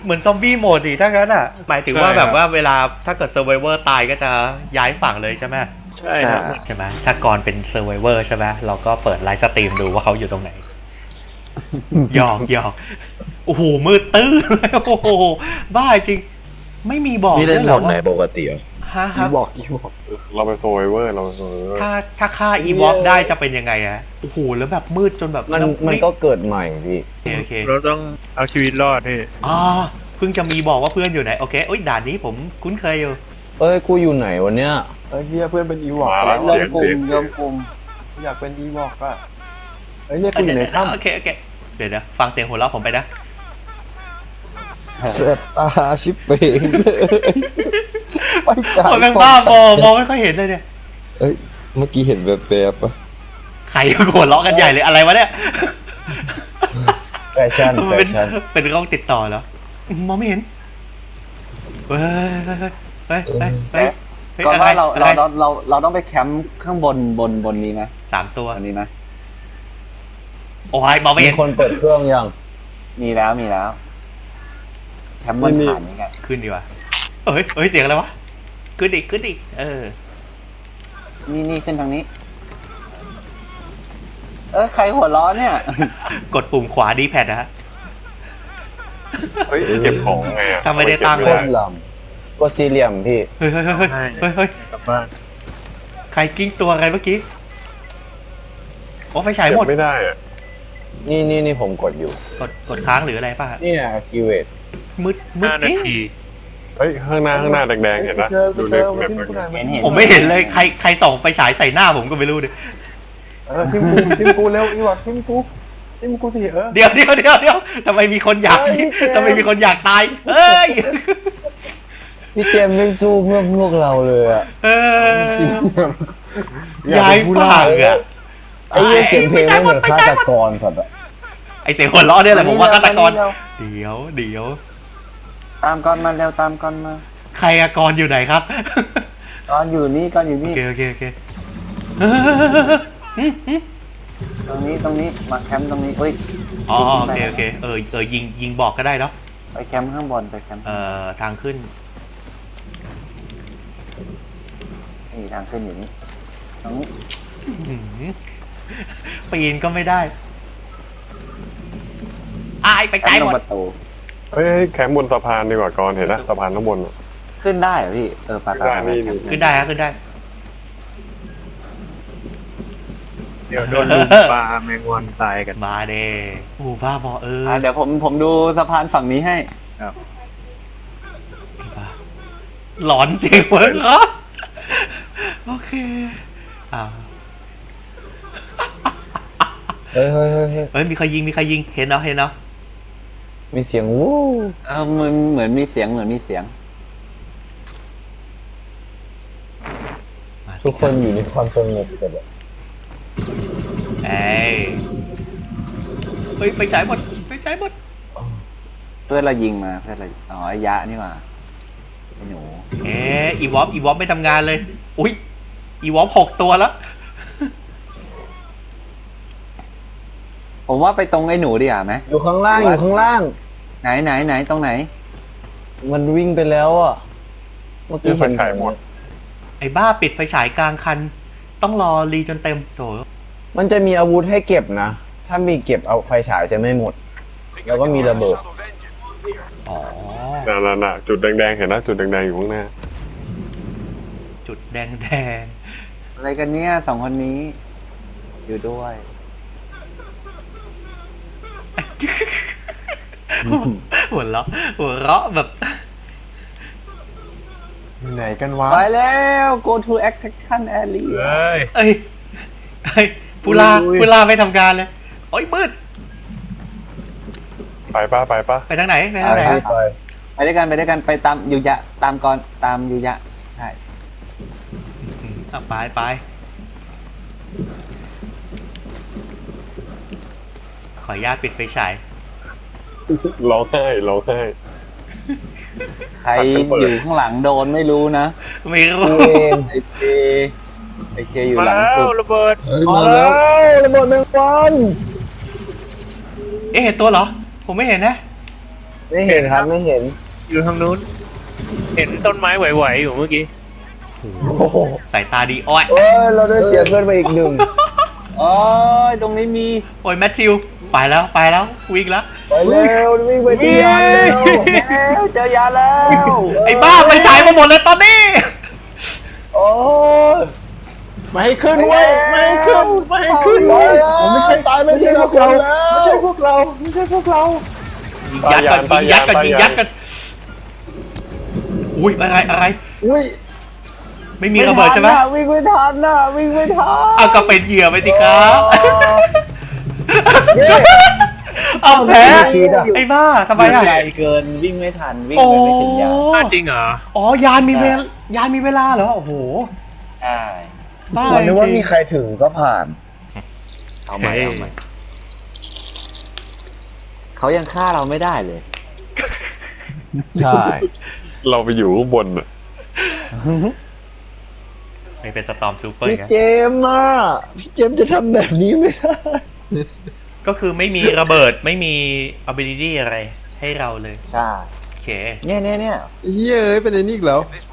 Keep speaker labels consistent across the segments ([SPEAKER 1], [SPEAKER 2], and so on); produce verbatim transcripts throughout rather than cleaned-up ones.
[SPEAKER 1] เหมือนซอมบี้โหมดดิถ้างั้นอ่ะหมายถึงว่าแบบว่าเวลาถ้าเกิดเซอร์ไวเวอร์ตายก็จะย้ายฝั่งเลยใช่ไหม
[SPEAKER 2] ใช่ครับ
[SPEAKER 1] ใช่ไหมถ้าก่อนเป็นเซอร์ไวเวอร์ใช่ไหมเราก็เปิดไลฟ์สตรีมดูว่าเขาอยู่ตรงไหนหยอกหยอกโอ้โหมืดตื้อเลยโอ้โหบ้าจริงไม่มีบอก
[SPEAKER 3] นี่เล่น
[SPEAKER 1] ด้วย
[SPEAKER 3] โห
[SPEAKER 1] หร
[SPEAKER 3] ม
[SPEAKER 1] อ
[SPEAKER 3] ดไหนปกติเหรอ
[SPEAKER 1] ฮะค
[SPEAKER 2] อี
[SPEAKER 1] รับ
[SPEAKER 2] บอกอีบอกเราเป็นโซไวเวอร์เราเป็นโซไวเวอร์
[SPEAKER 1] ถ้าถ้าฆ่าอีวอฟได้จะเป็นยังไงอะโอ้โหแล้วแบบมืดจนแบบ
[SPEAKER 4] มัน
[SPEAKER 1] แล้ว
[SPEAKER 4] มันก็เกิดใหม่พี่
[SPEAKER 1] โอเคโอเค
[SPEAKER 5] เราต้องเอาชีวิตรอดพี่
[SPEAKER 1] อ๋อเพิ่งจะมีบอกว่าเพื่อนอยู่ไหนโอเคโอ้ยด่านนี้ผมคุ้นเคยอยู่
[SPEAKER 4] เอ้ยกูอยู่ไหนวันเนี้ย
[SPEAKER 2] เฮ้ยเฮียเพื่อนเป็นอีบอก
[SPEAKER 3] มาแล้ว
[SPEAKER 2] เริ่ม
[SPEAKER 3] เสียง
[SPEAKER 2] กลุ่
[SPEAKER 3] เสีย
[SPEAKER 2] ม
[SPEAKER 3] ง
[SPEAKER 2] เริ่มกลุ่มอยากเป็นอีบอกอะเฮ้ยเนี่ยกูอยู่ในถ้ำ
[SPEAKER 1] โอเคโอเคเดี๋ยวเดี๋ยวฟังเสียงหัวเราะผมไปนะ
[SPEAKER 4] เสร็จตาชิบเป่งเลยไปจ่าย
[SPEAKER 1] โอ้ยแม่งบ้าบอมองไม่ค่อยเห็นเลยเนี่ย
[SPEAKER 4] เอ้ยเมื่อกี้เห็นแบบแบบๆปะ
[SPEAKER 1] ใครหัวเราะกันใหญ่เลยอะไรวะเนี่ย
[SPEAKER 4] แฟชั่น
[SPEAKER 1] มัน
[SPEAKER 4] แฟ
[SPEAKER 1] เป็น
[SPEAKER 4] ชั่น
[SPEAKER 1] เป็นกล้องติดต่อเหรอมองไม่เห็นเฮ้ยเฮ้ยเฮ้ยเฮ้ยเฮ้ย
[SPEAKER 6] ก่อน
[SPEAKER 1] อะไร
[SPEAKER 6] ว่าเรา
[SPEAKER 1] อะ
[SPEAKER 6] เรา
[SPEAKER 1] ไร
[SPEAKER 6] เราเราเราต้องไปแคมป์ข้างบนบนบนนี้นะ
[SPEAKER 1] สามตัว
[SPEAKER 6] บนนี้นะ
[SPEAKER 1] โอ้ยมองไม่
[SPEAKER 4] มี
[SPEAKER 1] เห็น
[SPEAKER 4] คนเปิดเครื่องยัง
[SPEAKER 6] มีแล้วมีแล้ว แคมป์บนฐานนี่ไง
[SPEAKER 1] ขึ้นดีกว่าเฮ้ยเฮ้ยเสียงอะไรวะขึ้นอีกขึ้นอีกเออ
[SPEAKER 6] นี่นี่ขึ้นทางนี้ เออใครหัวร้อนเนี่ย
[SPEAKER 1] กดปุ่มขวาดีแพดนะฮะ
[SPEAKER 2] เฮ้ยเก็บของไงอะ
[SPEAKER 1] ถ้าไม่ได้ตั้ง
[SPEAKER 4] โค
[SPEAKER 1] เลย
[SPEAKER 4] ตรลำก็สี่เหลี่ยมพี่
[SPEAKER 1] เฮ้ยเฮ้ยเฮ้ยเฮ้ยเฮ้ย
[SPEAKER 5] กลับบ้าน
[SPEAKER 1] ใครกิ้งตัวใครเมื่อกี้โอ้ไฟฉาย
[SPEAKER 2] เก็
[SPEAKER 1] หม
[SPEAKER 2] บ
[SPEAKER 1] ด
[SPEAKER 2] ไม่ได้อะ
[SPEAKER 4] นี่นี่นี่ผมกดอยู่
[SPEAKER 1] กดกดค้างหรืออะไรป่ะฮะ
[SPEAKER 4] เนี่ย activate
[SPEAKER 1] มืดมืด
[SPEAKER 5] ห้า
[SPEAKER 1] จ
[SPEAKER 5] นา
[SPEAKER 1] ริง
[SPEAKER 5] ที
[SPEAKER 2] เฮ้ยข้างหน้าข้างหน้าแดงๆเห็นปะเจอกูดูเจในอแบมาบ ทิ้งกูหน่อย
[SPEAKER 6] เห็นเห็น
[SPEAKER 1] ผมไม่เห็นเลยใครใครส่องไฟฉายใส่หน้าผมก็ไม่รู้ดิ
[SPEAKER 2] เออทิมกูทิมกูเร็วอีบอกทิมกูทิมกูสิเออ
[SPEAKER 1] เดี๋ยวเดี๋ยวเดี๋ยวเดี๋ยวทำไมมีคนอยาก
[SPEAKER 2] เฮ้ยเจมส์
[SPEAKER 1] ทำไมมีคนอยากตายเฮ้ย
[SPEAKER 4] พี่เจมส์ไม่สู้เพื่อพวกเราเลยอะ
[SPEAKER 1] เออย้ายฝั่งอะ
[SPEAKER 4] ไอ้เหี้ยเสียงเพลงไม่เหมือนฆาตกรสัตว์อะ
[SPEAKER 1] ไอเสียงหัวเราะเนี่ยแหละผมว่าฆาตกรเดี๋ยวเดี๋ยว
[SPEAKER 6] ตามก่อนมาเร็วตามก่อนมา
[SPEAKER 1] ใครอะกรอยู่ไหนครับ
[SPEAKER 6] ก่อนอยู่นี่ก่อนอยู่
[SPEAKER 1] โอ
[SPEAKER 6] นี่
[SPEAKER 1] เคโอเคโอเค
[SPEAKER 6] ตรงนี้ตรงนี้มาแคมป์ตรงนี้เอ้ย
[SPEAKER 1] อ๋อโอเคโอเคเออเออยิงยิงบอกก็ได้เนาะ
[SPEAKER 6] ไปแคมป์ข้างบนไปแคมป์
[SPEAKER 1] เอ่อทางขึ้น
[SPEAKER 6] นี่ทางขึ้นอยู่นี่ตรงนี้
[SPEAKER 1] อื้อหือปีนก็ไม่ได้อายไป
[SPEAKER 6] แค
[SPEAKER 1] ไกล
[SPEAKER 6] มป์ตร
[SPEAKER 1] หม
[SPEAKER 6] ง
[SPEAKER 1] ด
[SPEAKER 6] ประตู
[SPEAKER 2] เฮ้ยแคมป์บนสะพานดีกว่าก่อนเห็นนะสะพานข้างบนอะ
[SPEAKER 6] ขึ้นได้เหรอพี่เออไปไป
[SPEAKER 2] ได้
[SPEAKER 6] ไป
[SPEAKER 2] นี่
[SPEAKER 6] แคมป์
[SPEAKER 1] ขึ้นได้ฮะขึ้นได้
[SPEAKER 5] เดี๋ยวโดนลุมปลาแมงวันตายกัน
[SPEAKER 1] มาเด้โอ้บ้าบอเออ
[SPEAKER 6] อ่ะเดี๋ยวผมผมดูสะพานฝั่งนี้ให้
[SPEAKER 5] ครับ
[SPEAKER 1] บ้าหลอนจริงเว้ยเหรอโอเคอ่า
[SPEAKER 4] เฮ้ยเฮ้ยเฮ้ยเฮ้ย
[SPEAKER 1] เฮ้ยมีใครยิงมีใครยิงเห็นเนาะเห็นเนาะ
[SPEAKER 4] มีเสียงวู้
[SPEAKER 6] เออมันเหมือนมีเสียงเหมือนมีเสียง
[SPEAKER 1] มา
[SPEAKER 4] ทุกคนอยู่ในความสงบเสร็จแล้ว
[SPEAKER 1] เอ้ยเฮ้ยไปฉายหมดไปฉายหมด
[SPEAKER 6] เพื่อนเรายิงมาเพื่อนเราอ๋อไอ้ยะนี่หว่าไอ้หนู
[SPEAKER 1] เอ๊ะอีวอฟอีวอฟไม่ทำงานเลยอุ้ยอีวอฟหกตัวแล้ว
[SPEAKER 6] ผมว่าไปตรงไอ้หนูดีกว่าไหม
[SPEAKER 4] อยู่ข้างล่างอยู่ข้างล่าง
[SPEAKER 6] ไหนไหนไหนตรงไหน
[SPEAKER 4] มันวิ่งไปแล้วอ่ะ เมื่อกี้
[SPEAKER 2] ไฟ
[SPEAKER 4] เห็น
[SPEAKER 2] ฉายหมด
[SPEAKER 1] ไอ้บ้าปิดไฟฉายกลางคัน ต้องรอรีจนเต็มโถ
[SPEAKER 4] มันจะมีอาวุธให้เก็บนะ ถ้ามีเก็บเอาไฟฉายจะไม่หมด แล้วก็มีระเบิด
[SPEAKER 1] อ๋อ
[SPEAKER 2] น่ะน่ะน่ะจุดแดงๆเห็นนะจุดแดงๆอยู่ข้างหน้า
[SPEAKER 1] จุดแดงแดง
[SPEAKER 6] อะไรกันเนี่ยสองคนนี้ อยู่ด้วย
[SPEAKER 1] หัวเราะหัวเราะแบบ
[SPEAKER 2] อยู่ไหนกันวะ
[SPEAKER 6] ไปแล้ว go to action area
[SPEAKER 5] เฮ้ย
[SPEAKER 1] เอ้ยเอ้ยพูลาพูลาไม่ทำการเลยโอ้ยมืด
[SPEAKER 2] ไปป้าไปป้า
[SPEAKER 1] ไปทางไหนไปทางไหน
[SPEAKER 6] ไป
[SPEAKER 4] ไป
[SPEAKER 6] ไปด้วยกันไปด้วยกันไปตามยูยะตามก่อนตามยูยะใช่
[SPEAKER 1] อืมอ่ะไปไปขออนุญาตปิดไฟฉาย
[SPEAKER 2] ร้องไห้ร้องไห้
[SPEAKER 6] ใครอยู่ข้างหลังโดนไม่รู้นะ
[SPEAKER 1] ไม่รู้
[SPEAKER 4] กูเอง
[SPEAKER 6] ไอเคไอเคอยู่
[SPEAKER 5] มา
[SPEAKER 6] หลัง
[SPEAKER 5] แล้
[SPEAKER 6] สุ
[SPEAKER 5] ว
[SPEAKER 6] ด
[SPEAKER 5] ระเบิด
[SPEAKER 3] เฮ้ย
[SPEAKER 4] มา
[SPEAKER 3] มา
[SPEAKER 4] แล้
[SPEAKER 3] แล้ว
[SPEAKER 4] วระเบิดแมงวัน
[SPEAKER 1] เอ๊ะเห็นตัวเหรอ ผมไม่เห็นนะ
[SPEAKER 4] ไม่เห็นครับไม่เห็น
[SPEAKER 5] อยู่ทางนู้น เห็นต้นไม้ไหวๆอยู่เมื่อกี้
[SPEAKER 4] โอ้โห
[SPEAKER 1] สายตาดีอ้อย
[SPEAKER 4] เอ้ยเราได้เสียเพื่อนไปอีกหนึ่ง
[SPEAKER 6] โอ้ยตรงนี้มี
[SPEAKER 1] โอ้ยแมทธิวไปแล้วไปแล้ววิ่งแล้ว
[SPEAKER 4] ไปเร็ววิ่งไปที่ยานเร็ว
[SPEAKER 6] แล้วเจอยาแล้ว
[SPEAKER 1] ไอ้บ้าไปฉายมาหมดเลยตอนนี้
[SPEAKER 4] โอ้ย
[SPEAKER 2] ไม่ให้ขึ้นเว้ยไม่ให้ขึ้นไม่ให้ขึ้น
[SPEAKER 4] ตา
[SPEAKER 2] เว้
[SPEAKER 4] ย
[SPEAKER 2] ย
[SPEAKER 4] แล้ว
[SPEAKER 2] ผมไม่ใช่ตายไม่ใช่พวกเราไม่ใช่พวกเราไม่ใช่พวกเรา
[SPEAKER 1] ยิงยัดกันยิงยัดกันยิงยัดกันอุ้ยอะไรอะไร
[SPEAKER 2] อุ้ย
[SPEAKER 1] ไม่มีระเบิดใช่ไหม
[SPEAKER 6] วิ่งไม่ทันน่ะวิ่งไม่ทัน
[SPEAKER 1] เอาก็เป็นเหยื่อไปสิครับ
[SPEAKER 4] เย้
[SPEAKER 1] เอาแพ้
[SPEAKER 4] ไม่คิดอะ
[SPEAKER 1] ไอ้บ้าทำไมอ่ะ
[SPEAKER 6] ไกลเกินวิ่งไม่ทันวิ่ง
[SPEAKER 1] โอ้
[SPEAKER 6] ไปไม่ถึงยา
[SPEAKER 5] อ้าวจริงเหรอ
[SPEAKER 1] อ๋อยานมีเวลยานมีเวลาเหรอโอ้โห
[SPEAKER 6] ใช่
[SPEAKER 1] บ้า
[SPEAKER 4] ตอนนึกว่ามีใครถึงก็ผ่าน
[SPEAKER 6] เอาใหม่เอาใหม่เขายังฆ่าเราไม่ได้เลย
[SPEAKER 4] ใช่
[SPEAKER 2] เราไปอยู่ข้างบนอ่ะ
[SPEAKER 1] ไม่เป็นสตอมซูเปอร์
[SPEAKER 4] พี่
[SPEAKER 1] ไง
[SPEAKER 4] เจมส์อ่ะพี่เจมส์จะทำแบบนี้ไม่ได้
[SPEAKER 1] ก็คือไม่มีระเบิดไม่มี ability อะไรให้เราเลย
[SPEAKER 6] ใช่
[SPEAKER 1] โอเค
[SPEAKER 6] เนี่ยเนี่ยเนี่ย
[SPEAKER 2] เฮ้ยเอ้ยเป็นไอ้นี่อีกแล้ว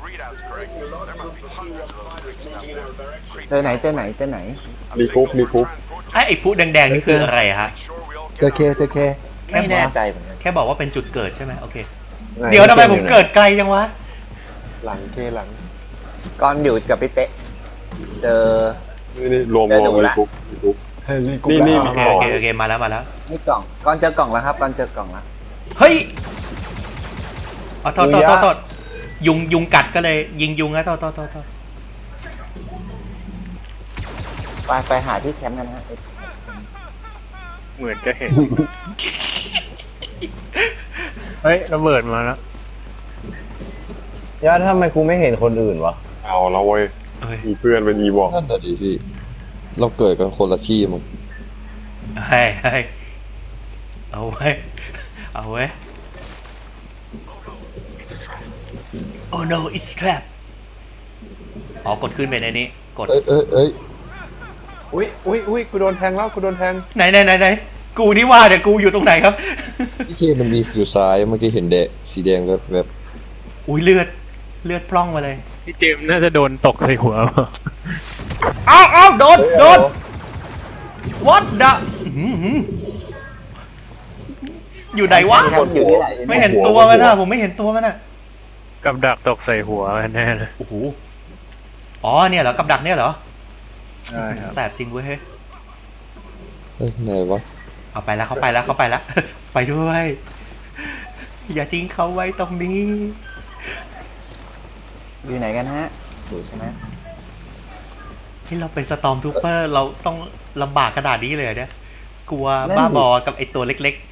[SPEAKER 6] เจอไหนเจอไหนเจอไหน
[SPEAKER 2] รีคุปรีคุป
[SPEAKER 1] ไอ้ไอ้ผู้แดงๆนี่คืออะไรฮะ
[SPEAKER 2] เจอเคเจอเค
[SPEAKER 6] ไม่แน่ใจเหมือนกัน
[SPEAKER 1] แค่บอกว่าเป็นจุดเกิดใช่ไหมโอเค เดี๋ยวทำไมผมเกิดไกลจังวะ
[SPEAKER 2] หลังเคหลัง
[SPEAKER 6] ก่อนอยู่กับพี่เตะเจอ
[SPEAKER 2] นี่นี่รวม
[SPEAKER 6] เดี๋
[SPEAKER 2] ร
[SPEAKER 6] ยว
[SPEAKER 2] วม
[SPEAKER 6] ดู
[SPEAKER 2] รี
[SPEAKER 6] ละ
[SPEAKER 2] คุปรีคุป
[SPEAKER 4] เฮ้ยรีคุป
[SPEAKER 2] นี่นี่
[SPEAKER 1] โอเคโอเคโอเคมาแล้วมาแล้ว
[SPEAKER 6] นี่กล่องก่อนเจอกล่องแล้วครับก่อนเจอกล่องแล้ว
[SPEAKER 1] เฮ้ยอ๋อโทษโทษโทษโทษยุงยุงกัดก็เลยยิงยุงนะโทษโทษโทษโทษ
[SPEAKER 6] ไปไปหาที่แคมป์กันฮะ
[SPEAKER 5] เหมือนจะเห็น เฮ้ยระเบิดมาแล้ว
[SPEAKER 4] ย่าทำไมกูไม่เห็นคนอื่นวะ
[SPEAKER 2] เอาแล้วเว้ย
[SPEAKER 1] เอ้ย
[SPEAKER 2] มีเพื่อนเป็นอีบอก
[SPEAKER 3] นั่นแต่ะดิพี่ เราเกิดกันคนละที่มั้ง
[SPEAKER 1] เฮ้ยเฮ้ยเอาไว้เอาไว้ oh no it's trap อ๋อกดขึ้นไปในนี้กด
[SPEAKER 3] เอ้ยเอ้ยเอ้ย
[SPEAKER 2] อุ้ยอุ้ยอุ้ยกูโดนแทงแล้วกูโดนแทง
[SPEAKER 1] ไหนไหนไหนไหนกูนี่ว่าเดี๋ยวกูอยู่ตรงไหนครับ
[SPEAKER 3] พี่เคมันมีอยู่ซ้ายเมื่อกี้เห็นแดะสีแดงแบบแบบ
[SPEAKER 1] อุ้ยเลือดเลือดพร่องมาเลย
[SPEAKER 5] พี่เจมส์น่าจะโดนตกใส่หัวเปล่า
[SPEAKER 1] อ้าวอ้าวโดนโดน what the อื้อหืออยู่ไหนวะ
[SPEAKER 6] แคมป์อยู่ที่ไหน
[SPEAKER 1] ไม่เห็นตัวมันอะผมไม่เห็นตัวมันอะ
[SPEAKER 5] กับดักตกใส่หัวแน่เลย
[SPEAKER 1] โอ้โหอ๋อเนี่ยเหรอกับดักเนี่ยเหรอ
[SPEAKER 5] ใช่ครับ
[SPEAKER 1] แสบจริงเว้ยเฮ้ย
[SPEAKER 3] เอ้ยไหนวะ
[SPEAKER 1] เอาไปแล้วเขาไปแล้วเขาไปแล้ว ไปด้วย อย่าทิ้งเขาไว้ตรงนี้
[SPEAKER 6] อยู่ไหนกันฮะอยู่ใช่ไหม
[SPEAKER 1] ที่เราเป็นสตอมทูเปอร์เราต้องลำบากขนาดนี้เลยเหรอเนี่ยกลัวบ้าบอกับไอตัวเล็ก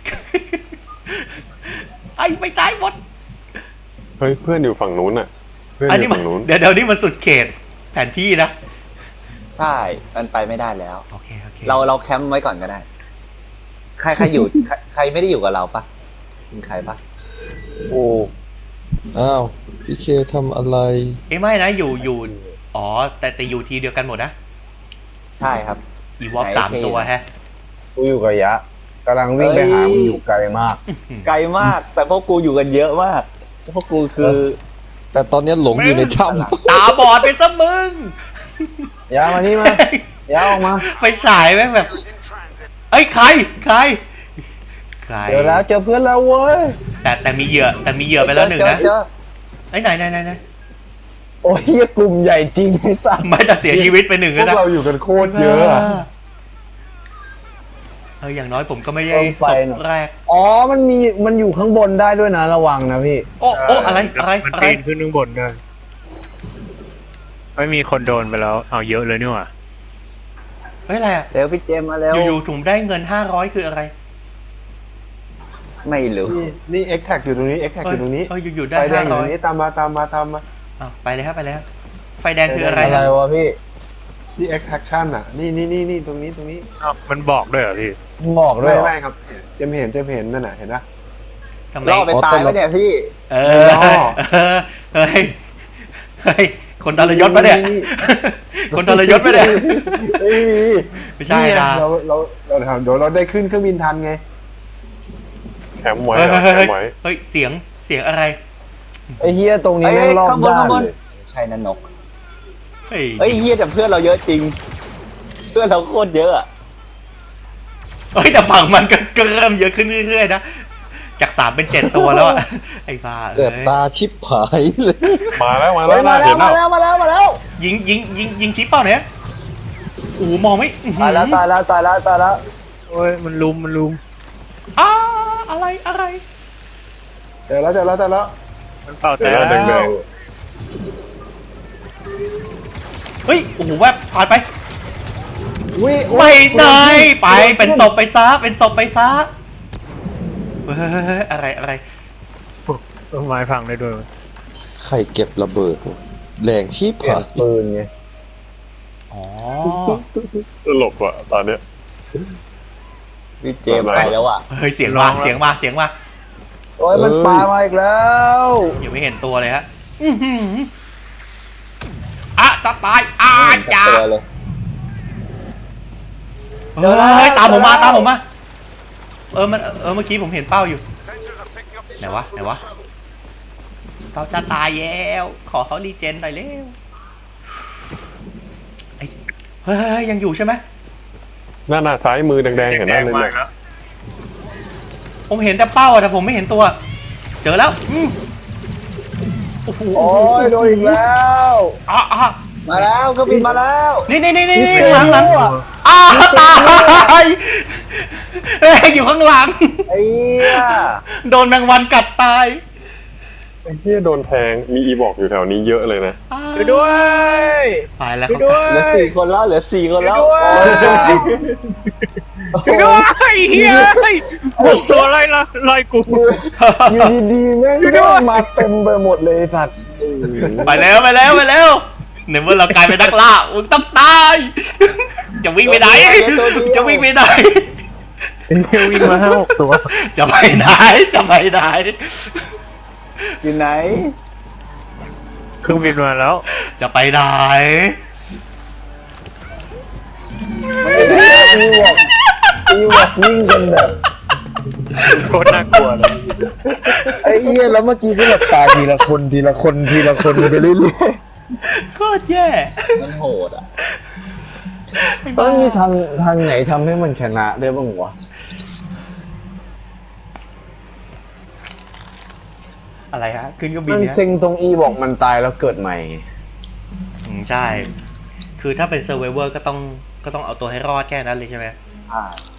[SPEAKER 1] ๆ ไอ้ไม่จ่ายหมด
[SPEAKER 2] เฮ้ยเพื่อนอยู่ฝั่งนู้นอ่ะเพื่อน
[SPEAKER 1] อัน
[SPEAKER 2] อ
[SPEAKER 1] นี้
[SPEAKER 2] ยู่
[SPEAKER 1] มัน
[SPEAKER 2] ฝั่งนู้น
[SPEAKER 1] เดี๋ยวเดี๋ยวนี้มันสุดเขตแผนที่นะ
[SPEAKER 6] ใช่มันไปไม่ได้แล้ว
[SPEAKER 1] โอเคโอเค
[SPEAKER 6] เราเราแคมป์ไว้ก่อนก็ได้ ใครใครอยู่ ใครใครไม่ได้อยู่กับเราปะมีใครปะ
[SPEAKER 4] โอ้
[SPEAKER 3] อ้าวพี่เคทำอะไร
[SPEAKER 1] เอ้ยไม่นะอยู่อยู่อ๋อแต่แต่อยู่ทีเดียวกันหมดนะ
[SPEAKER 6] ใช่ครับ
[SPEAKER 1] อีวอล
[SPEAKER 6] ไหน
[SPEAKER 1] สาม
[SPEAKER 6] เค
[SPEAKER 1] ตัวฮะ
[SPEAKER 4] กูอยู่กับยะกำลังวิ่งไปหามึงอยู่ไกลมาก
[SPEAKER 6] ไกลมาก แต่พวกกูอยู่กันเยอะมากพวกกูคือ
[SPEAKER 3] แต่ตอนนี้หลงอยู่ในถ้
[SPEAKER 1] ตาบอดไปซะมึง
[SPEAKER 4] ยะมานี่มา ยะออกมา
[SPEAKER 1] ไปฉายแม่งแบบเอ้ยใครใครใคร
[SPEAKER 4] เจอแล้วเจอเพื่อนแล้วเว้ย
[SPEAKER 1] แต่แต่มีเหยื่อแต่มีเหยื่อไปแล้วหนึ่ง
[SPEAKER 6] เจอ
[SPEAKER 1] นะ
[SPEAKER 6] เจอ
[SPEAKER 1] ไอ้ยไหนไหนไหนไหน
[SPEAKER 4] โอ้ยเหี้ยกลุ่มใหญ่จริงไอ้สัส
[SPEAKER 1] ไม่แต่เสียชีวิตไปหนึ่ง
[SPEAKER 2] พว
[SPEAKER 1] แล้ว
[SPEAKER 2] ก
[SPEAKER 1] นะ
[SPEAKER 2] เราอยู่กันโคตรเยอะอะ
[SPEAKER 1] เอออย่างน้อยผมก็ไม่ได้ศพแรก
[SPEAKER 4] อ๋อมันมีมันอยู่ข้างบนได้ด้วยนะระวังนะพี่
[SPEAKER 1] โอ้โอ้อะไรอะไร
[SPEAKER 5] มัน
[SPEAKER 1] อะไร
[SPEAKER 5] ปีนขึ้นข้างบนได้ไม่มีคนโดนไปแล้ว เอาเยอะเลยนี่หว่า
[SPEAKER 1] เฮ้ยอะไรอะ
[SPEAKER 6] เร็วพี่เจมส์มาเร็ว
[SPEAKER 1] อยู่ๆถุงได้เงินห้าร้อยคืออะไร
[SPEAKER 6] ไม่รู้
[SPEAKER 2] นี่นี่เอ็กแท็กอยู่ตรงนี้เอ็กแท็กอยู่ตรงนี้
[SPEAKER 1] เอออยู่ๆได้
[SPEAKER 2] ไฟแด
[SPEAKER 1] ห้าง
[SPEAKER 2] อยู่
[SPEAKER 1] ร้
[SPEAKER 2] ต
[SPEAKER 1] อ
[SPEAKER 2] ร
[SPEAKER 1] ย
[SPEAKER 2] งนี้ตามมาตามมาตามมา
[SPEAKER 1] อ่ะไปเลยครับไปเลยครับไฟแดงคืออะไร
[SPEAKER 4] อะไร
[SPEAKER 1] ฮะ
[SPEAKER 4] วะพี่
[SPEAKER 2] ที่เอ็กแท็กชั่นอ่ะนี่นี่นี่นี่ตรงนี้ตรงนี้
[SPEAKER 5] อ้าวมันบอกด้วยเหรอพี่
[SPEAKER 4] บอกด้วย
[SPEAKER 2] ไม่
[SPEAKER 4] เหรอ
[SPEAKER 2] ไม่ครับเจมเห็นเจมเห็นนั่นน่ะเห็นปะ
[SPEAKER 1] ทำไม
[SPEAKER 6] ล่อไปตายไหมเนี่ยพี่
[SPEAKER 1] เออเออเฮ้ยเฮ้ยคนทรยศปะเนี่ยคนทรยศปะเนี่ย
[SPEAKER 2] เอ้ย
[SPEAKER 1] ไม่ใช่
[SPEAKER 2] นี่ไง
[SPEAKER 1] นะ
[SPEAKER 2] เราเราเราเดี๋ยวเราได้ขึ้นเครื่องบินทันไงแคมป์ไว้
[SPEAKER 1] เฮ้ย
[SPEAKER 2] อะ
[SPEAKER 1] เฮ้ย
[SPEAKER 2] แค
[SPEAKER 1] เฮ้ย
[SPEAKER 2] มป์ไว้
[SPEAKER 1] เฮ้ยเสียงเสียงอะไร
[SPEAKER 4] ไอ้เฮียตรงนี้
[SPEAKER 6] เอ้ย
[SPEAKER 4] แม่งรอบ
[SPEAKER 6] ข้างบน
[SPEAKER 4] ด้า
[SPEAKER 6] ข้าน งบน
[SPEAKER 4] เลย
[SPEAKER 6] ไม่ใช่นั่นนก
[SPEAKER 1] เฮ้ย
[SPEAKER 6] เอ้ยเฮียแต่เพื่อนเราเยอะจริง เพื่อนเราโคตรเยอะอะ
[SPEAKER 1] เฮ้ยแต่ฝั่งมันก็ก็เริ่มเยอะขึ้นเรื่อยๆนะจากสามเป็นเจ็ดตัวแล้วอะไอ้บ้า
[SPEAKER 3] เกิด
[SPEAKER 1] เอ้ย
[SPEAKER 3] ตาชิบหายเลย
[SPEAKER 2] มาแล้วมา
[SPEAKER 4] เฮ้
[SPEAKER 2] แล้
[SPEAKER 4] ยว มาแล้
[SPEAKER 2] เห็
[SPEAKER 4] วน มา
[SPEAKER 2] แล้ว
[SPEAKER 4] แล้วมาแล้วมาแล้ว
[SPEAKER 1] ยิงยิงยิงยิงชิปเปล่าเนี่ยโอ้โหมองไม่อื้อหือ
[SPEAKER 4] ตายแล้วตายแล้วตายแล้วตายแล้ว
[SPEAKER 5] โอ้ยมันลุมมันลุม
[SPEAKER 1] อ้าอะไรอะไร
[SPEAKER 2] เจอแล้วเจอแล้วเจอแล้ว
[SPEAKER 5] มันเป่า
[SPEAKER 2] เจ
[SPEAKER 5] แต่
[SPEAKER 2] อแล้วแดง
[SPEAKER 1] เฮ้ยโอ้โหแวบผ่านไป
[SPEAKER 4] วิ
[SPEAKER 1] ไม่ได้ไปเป็นศพไปซะเป็นศพไปซะเฮ้ยอะไรอะไร
[SPEAKER 5] ต้นไม้พังได้ด้วย
[SPEAKER 3] ใครเก็บระเบิดวะแรงที่
[SPEAKER 4] เปลี่ย
[SPEAKER 3] ผ่าน น
[SPEAKER 4] ปืนไง
[SPEAKER 1] อ๋อ
[SPEAKER 2] ๆตลกว่ะตอนเนี้ย
[SPEAKER 6] พี่เจมส์ไปแล้วอ่ะ
[SPEAKER 1] เฮ้ยเสียงมาเสียงมาเสียงมา
[SPEAKER 4] โอ้ยมันปามาอีกแล้ว
[SPEAKER 1] ยังไม่เห็นตัวเลยฮะอื้อหืออ่ะจะตายอ่ะ
[SPEAKER 6] ไม่เห็นสัก
[SPEAKER 1] จ้า
[SPEAKER 6] ตัวเลย
[SPEAKER 1] เฮ้ยตามผมมาตามผมมาเออมันเออเมื่อกี้ผมเห็นเป้าอยู่ไหนวะไหนวะเขาจะตายแล้วขอเขารีเจนหน่อยเร็วไอ้เฮ้ยยังอยู่ใช่ไหม
[SPEAKER 2] หน้าหน้าซ้ายมือแดงๆเห็นไหม
[SPEAKER 5] แดง
[SPEAKER 2] เลย
[SPEAKER 5] มา
[SPEAKER 2] เนี่ย
[SPEAKER 5] แล้ว
[SPEAKER 1] ผมเห็นแต่เป้าอะแต่ผมไม่เห็นตัว เจอแล้วอืมโอ้โห
[SPEAKER 4] โอ้ยโดนอีกแล้ว
[SPEAKER 1] อ่ะอ่ะ
[SPEAKER 6] มาแล้วเครื่องบินมาแล้ว
[SPEAKER 1] นี่นี่นี่นี่หลังหลังอ้าวตายเฮ้ยอยู่ข้างหลัง
[SPEAKER 6] ไอ้เหี้ย
[SPEAKER 1] โดนแมงวันกัดตาย
[SPEAKER 2] ไอ้เหี้ยโดนแทงมีอีบอกอยู่แถวนี้เยอะเลยนะ
[SPEAKER 5] ไปด้วย
[SPEAKER 1] ตายแล้ว
[SPEAKER 5] ไป
[SPEAKER 1] เขา
[SPEAKER 5] ด้วย
[SPEAKER 6] เหลือสี่คนแล้วเหลือสี่คนแล้ว
[SPEAKER 5] ไปด้วยเฮียบุกตัวไล่ละไล่กู
[SPEAKER 4] อยู่ดีๆแม่งก็มาเต็มไปหมดเลยไอ้สัตว์
[SPEAKER 1] ไปแล้วไปแล้วไปแล้วในเมื่อเรากลายเป็นนักล่ามึงต้องตายจะวิ่งไปไหนจะวิ่งไปไหน
[SPEAKER 5] เฮียวิ่งมาห้าหกตัว
[SPEAKER 1] จะไปไหนจะไปไหน
[SPEAKER 6] อยู่ไหน
[SPEAKER 5] เครื่องบินมาแล้ว
[SPEAKER 1] จะไปไหน
[SPEAKER 4] อีวอกอีวอกวิ่งกันแบบ
[SPEAKER 5] โคตรน่ากลัวเลย
[SPEAKER 4] ไอ้เหี้ยแล้วเมื่อกี้ก็แบบตายทีละคนทีละคนทีละคนไปเรื่อย
[SPEAKER 1] โคตรแย่
[SPEAKER 6] มันโหดอ่ะ
[SPEAKER 4] ๆต้องมีทางทางไหนทำให้มันชนะได้บ้างวะ
[SPEAKER 1] อะไรฮะขึ้นเครื่องบิน
[SPEAKER 4] มัน
[SPEAKER 1] เนี่ย
[SPEAKER 4] เซ็งตรงอีบอกมันตายแล้วเกิดใหม่
[SPEAKER 1] อืมใช่ คือถ้าเป็นเซอร์ไวเวอร์ก็ต้องก็ต้องเอาตัวให้รอดแค่นั้นเลยใช่ไหม
[SPEAKER 6] อ่า